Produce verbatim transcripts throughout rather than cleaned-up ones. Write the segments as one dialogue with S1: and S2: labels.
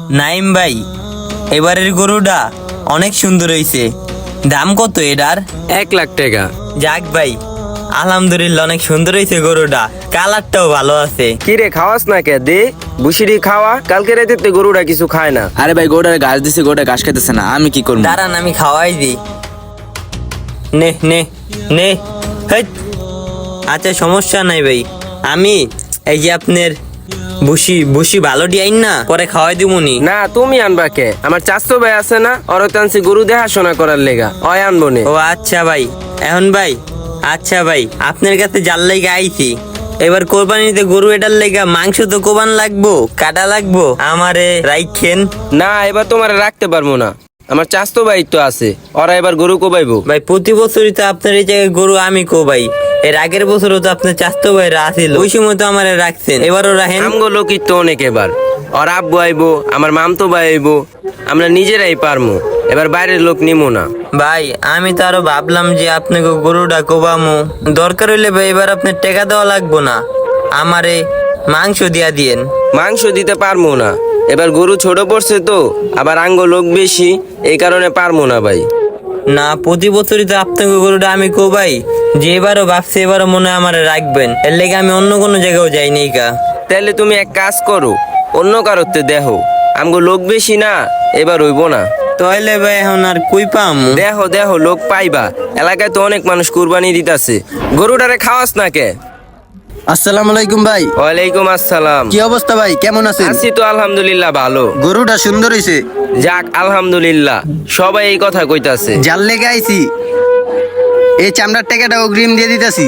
S1: নাইম ভাই, এবারের গরুটা অনেক সুন্দর হয়েছে। দাম কত এটার?
S2: এক লাখ টাকা।
S1: যাক ভাই, আলহামদুলিল্লাহ অনেক সুন্দর হয়েছে গরুটা, কালারটাও ভালো আছে।
S2: কি রে খাওয়াস না কে? দে বুসিরি খাওয়া, কালকে রাতে তো গরুটা কিছু খায় না।
S3: আরে ভাই গোটার ঘাস দিছে, গোটা ঘাস খেতেছে না, আমি কি করবো?
S1: দাঁড়ান আমি খাওয়াই দিই। নে নে নে হেৎ। আচ্ছা সমস্যা নাই ভাই, আমি এই যে আপনার বুসি বুসি ভালো ডিয়াইন না, পরে খাওয়াই দিবনি।
S2: না তুমি আনবা কে? আমার চাচতো ভাই আছে না, অরতানসি গরু দেখাশোনা করার লেগা, অয় আনবো নে।
S1: ও আচ্ছা ভাই, এখন ভাই আচ্ছা ভাই আপনার কাছে জাল লেগে আইছি। এবার কোরবানিতে গরু এটার লেগা মাংস তো কোবান লাগবো, কাটা লাগবো, আমারে রাইখেন।
S2: না এবার তোমার রাখতে পারবো না, আমার চাচতো ভাই তো আছে, ওরা এবার গরু কোবাইবো।
S1: ভাই প্রতি বছরই তো আপনার এই জায়গায় গরু আমি কোবাই, এর আগের বছরও তো আপনার চাস্তো ভাইরা আসিল, ওই সময় তো আমারে রাখছেন, এবারও রাখেন।
S2: আমগো লোকিত তো অনেক, এবার ওর আব্বু আইবো, আমার মামতো ভাই আইবো, আমরা নিজেরাই পারমু, এবার বাইরের লোক নিমো না।
S1: ভাই আমি তো আরো ভাবলাম যে আপনাকে গরুটা কোবামু, দরকার হইলে ভাই এবার আপনার টাকা দেওয়া লাগবো না, আমারে মাংস দিয়া দিয়েন।
S2: মাংস দিতে পারমু না, এবার গরু ছোট পড়ছে তো, আবার আঙ্গো লোক বেশি, এই কারণে পারমু না ভাই।
S1: না প্রতি বছরই তো আপনাকে গরুটা আমি কোবাই, যে এবারও ভাবছি এবারও মনে হয় আমারে রাখবেন, এর লেগে আমি অন্য কোনো জায়গাও যাইনি কা।
S2: তাহলে তুমি এক কাজ করো, অন্য কারোতে দেখো, আমগো লোক বেশি না, এবার হইব না।
S1: তাহলে ভাই এখন আর কই পাম?
S2: দেখো দেখো লোক পাইবা, এলাকায় তো অনেক মানুষ কুরবানি দিতাছে। গরুটারে খাওয়াস না কে?
S4: আসসালামু আলাইকুম ভাই।
S2: ওয়ালাইকুম আসসালাম।
S4: কি অবস্থা ভাই, কেমন আছেন?
S2: আছি তো আলহামদুলিল্লাহ ভালো।
S4: গরুটা সুন্দর হইছে।
S2: যাক আলহামদুলিল্লাহ, সবাই এই কথা কইতাছে।
S4: জাল লেগে আইছি, এই চামড়ার টাকাটা অগ্রিম দিয়ে দিতেছি।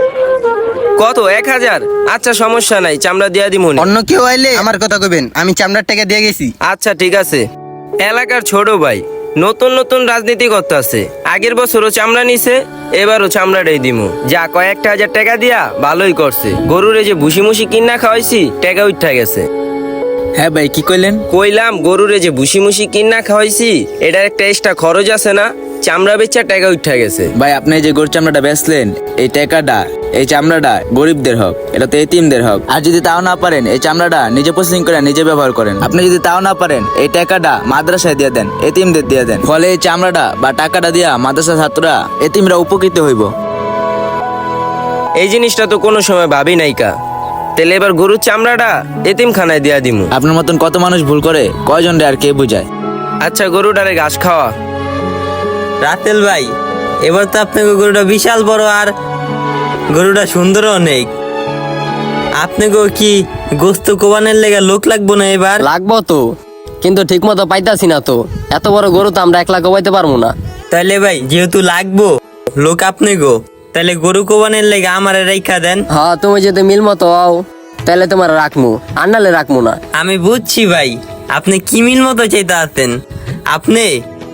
S2: কত? এক হাজার? আচ্ছা সমস্যা নাই, চামড়া দিয়া দিমুনি।
S4: অন্য কেউ আইলে আমার কথা কইবেন, আমি চামড়ার টাকা দিয়ে গেছি।
S2: আচ্ছা ঠিক আছে। এলাকার ছোট ভাই নতুন নতুন রাজনীতি করতেছে, আগের বছরও চামড়া নিছে, এবারও চামড়াটাই দিমু। যা কয়েকটা হাজার টাকা দিয়া ভালোই করছে। গরুরে যে ভুসি মুসি কিনা খাওয়াইছি, টাকা উঠা গেছে।
S3: হ্যাঁ ভাই কি কইলেন?
S2: কইলাম গরুরে যে ভুসি মুসি কিনা খাওয়াইছি, এটার একটা এক্সট্রা খরচ আছে না, চামড়া বেচা টাকা উঠা গেছে।
S3: ভাই আপনি যে গরুর চামড়াটা বেচলেন, এই টাকাটা এই চামড়াটা গরিবদের হক, এটা তো এতিমদের হক। আর যদি তাও না পারেন এই চামড়াটা নিজে প্রসেসিং করে নিজে ব্যবহার করেন। আপনি যদি তাও না পারেন এই টাকাটা মাদ্রাসায় দিয়ে দেন, এতিমদের দিয়ে দেন, ফলে এই চামড়াটা বা টাকাটা দিয়া মাদ্রাসা ছাত্ররা এতিমরা উপকৃত হইব।
S2: এই জিনিসটা তো কোনো সময় ভাবি নাইকা। তাহলে এবার গরুর চামড়াটা এতিমখানায় দিয়া দিমু।
S3: আপনার মতন কত মানুষ ভুল করে, কয়জন রে আর কে বুঝায়।
S2: আচ্ছা গরুটারে ঘাস খাওয়া।
S1: রাতেল ভাই এবার তো আপনাকে গরুটা বিশাল বড়, আর গরুটা সুন্দর অনেক। আপনাকে কি গোস্ত কোবানের লেগে লোক লাগবো না এবার?
S5: লাগবো তো, কিন্তু ঠিক মতো পাইতাছি না তো, এত বড় গরু তো আমরা একলা কোবাইতে পারবো না।
S1: তাহলে ভাই যেহেতু লাগবো লোক আপনি গো, তাহলে গরু কোবানের লেগে আমারে রেখা দেন।
S5: হ্যাঁ তুমি যদি মিল মতো হও তাহলে তোমার রাখমু, আর নালে রাখমু না।
S1: আমি বুঝছি ভাই আপনি কি মিল মতো চাইতে আছেন, আপনি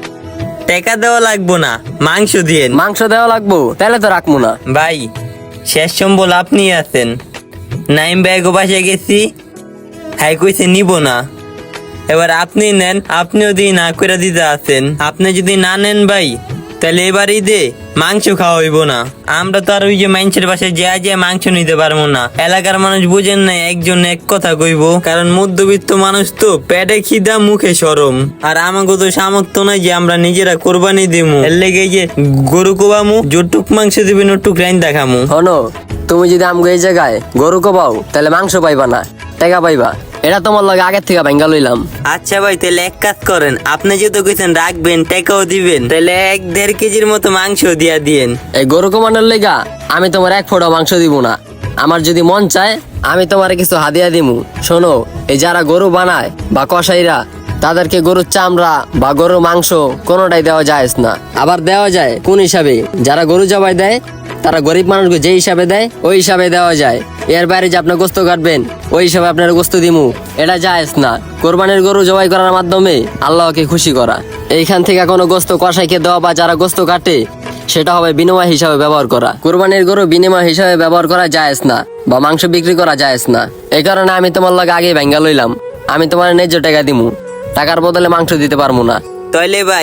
S1: টাকা দেওয়া লাগবো না, মাংস দিয়েন।
S5: মাংস দেওয়া লাগবো, তাহলে তো রাখমু না।
S1: ভাই শেষ সম্বল আপনি আছেন, নাইম ব্যাগও বাসে গেছি, হ্যাঁ কইছে নিব না, এবার আপনি নেন, আপনিও দিয়ে না করে দিতে আছেন। আপনি যদি না নেন ভাই তাহলে এবারই দে মাংস খাওয়া হইব না। আমরা তো আর ওই যে মানুষের বাসায় যা যা মাংস নিতে পারবো না, এলাকার মানুষ বুঝেন না, একজন এক কথা কইব, কারণ মধ্যবিত্ত মানুষ তো, পেটে খিদা মুখে শরম, আর আমাকে তো সামর্থ্য নাই যে আমরা নিজেরা কোরবানি দিমু। এর লেগে যে গরু কোবামু, যটুক মাংস দিবেন ওটুক রাইন দেখামু।
S5: হনো তুমি যদি আমগো এই জায়গায় গরু কোবাও তাহলে মাংস পাইবা না, টাকা পাইবা। এটা তোমার লগে আগের থেকে ভাঙ্গা লইলাম।
S1: আচ্ছা ভাই তাহলে এক কাজ করেন, আপনি যেহেতু কইছেন রাখবেন টাকাও দিবেন, তাহলে এক দেড় কেজির মতো মাংস দিয়া দিয়েন।
S5: এই গরু কোমানোর লেগা আমি তোমার এক ফোঁটা মাংস দিব না, আমার যদি মন চায় আমি তোমার কিছু হাদিয়া দিমু। শোনো, এই যারা গরু বানায় বা কসাইরা, তাদেরকে গরুর চামড়া বা গরুর মাংস কোনোটাই দেওয়া যায় না। আবার দেওয়া যায় কোন হিসাবে? যারা গরু জবাই দেয় তারা গরিব মানুষকে যে হিসাবে দেয় ওই হিসাবে দেওয়া যায়। এর বাইরে যে আপনার গোস্ত কাটবেন ওই হিসাবে আপনার গোস্ত দিমু, এটা জায়েজ না। কোরবানির গরু জবাই করার মাধ্যমে আল্লাহকে খুশি করা। এইখান থেকে কোনো গোস্ত কসাইকে দেওয়া বা যারা গোস্ত কাটে সেটা হবে বিনিময় হিসাবে ব্যবহার করা। কোরবানির গরু বিনিময় হিসাবে ব্যবহার করা জায়েজ না, বা মাংস বিক্রি করা জায়েজ না। এই কারণে আমি তোমার লগে আগে ভাঙ্গা লইলাম, আমি তোমার ন্যায্য টাকা দিমু, টাকার বদলে মাংস দিতে পারবো না।
S1: তাইলে ভাই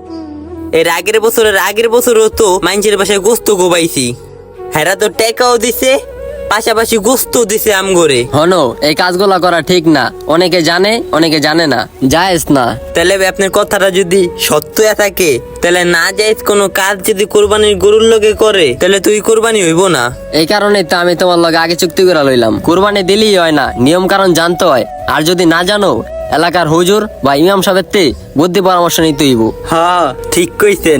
S1: এর আগের বছরের আগের বছরও তো মানুষের বাসায় গোস্ত কোবাইছি, হেরা তো টাকাও দিছে পাশাপাশি গোস্ত দিছে আম করে।
S5: হনো এই কাজগুলা করা ঠিক না, অনেকে জানে অনেকে জানে না, জায়েজ না।
S1: তাহলে ভাই আপনার কথাটা যদি সত্য থাকে, তাহলে না যাইজ কোনো কাজ যদি কোরবানির গরুর লগে করে, তাহলে তুই কোরবানি হইব না।
S5: এই কারণে তো আমি তোমার লগে আগে চুক্তি করে লইলাম, কুরবানি দিলেই হয় না, নিয়ম কারণ জানতে হয়। আর যদি না জানো এলাকার হুজুর বা ইমাম সাহেবের তে বুদ্ধি পরামর্শ নিতে হইব।
S1: হ্যাঁ ঠিক কইছেন।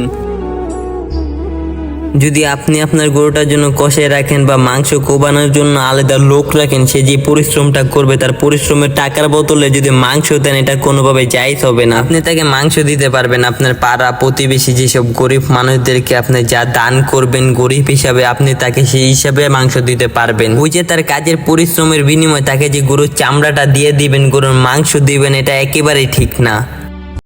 S1: যদি আপনি আপনার গরুটার জন্য কষায় রাখেন বা মাংস কোবানোর জন্য আলাদা লোক রাখেন, সে যে পরিশ্রমটা করবে তার পরিশ্রমের টাকার বদলে যদি মাংস দেন, এটা কোনোভাবে জায়েজ হবে না। আপনি তাকে মাংস দিতে পারবেন, আপনার পাড়া প্রতিবেশী যেসব গরিব মানুষদেরকে আপনি যা দান করবেন গরিব হিসাবে, আপনি তাকে সেই হিসাবে মাংস দিতে পারবেন। ওই যে তার কাজের পরিশ্রমের বিনিময়ে তাকে যে গরুর চামড়াটা দিয়ে দিবেন, গরুর মাংস দিবেন, এটা একেবারেই ঠিক না।